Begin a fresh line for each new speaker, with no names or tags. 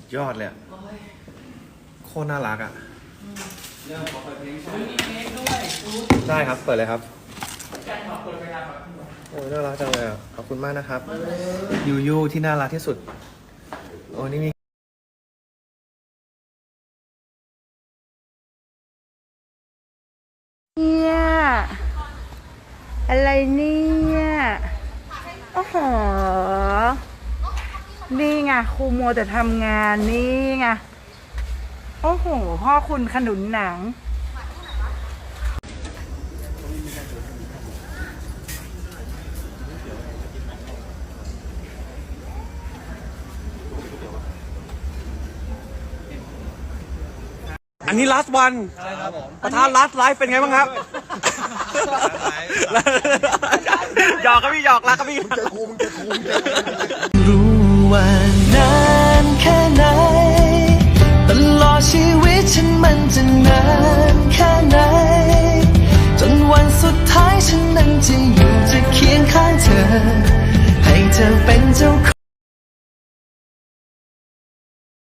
ยอดเลยอะโคตรน่ารักอ่ะเรื่องขอเปิดเพลงมีเพลงด้วยได้ครับ เปิดเลยครับโอ้ยน่ารักจังเลยอ่ะขอบคุณมากนะครับยูยูที่น่ารักที่สุดโอ้นี่มี
เนี่ยอะไรเนี่ยโอ้โหนี่ไงครูมัวแต่ทำงานนี่ไงโอ้โหพ่อคุณขนุนหนัง
อันนี้ last one ประธาน last life เป็นไงบ้างครับหยอกครับพี่หยอกรักครับพี่
รู้ว่านานแค่ไหนตลอดชีวิตฉันมันจะนานแค่ไหนจนวันสุดท้ายฉันนั้นจะอยู่จะเคียงข้างเธอให้เธอเป็นเจ้าของ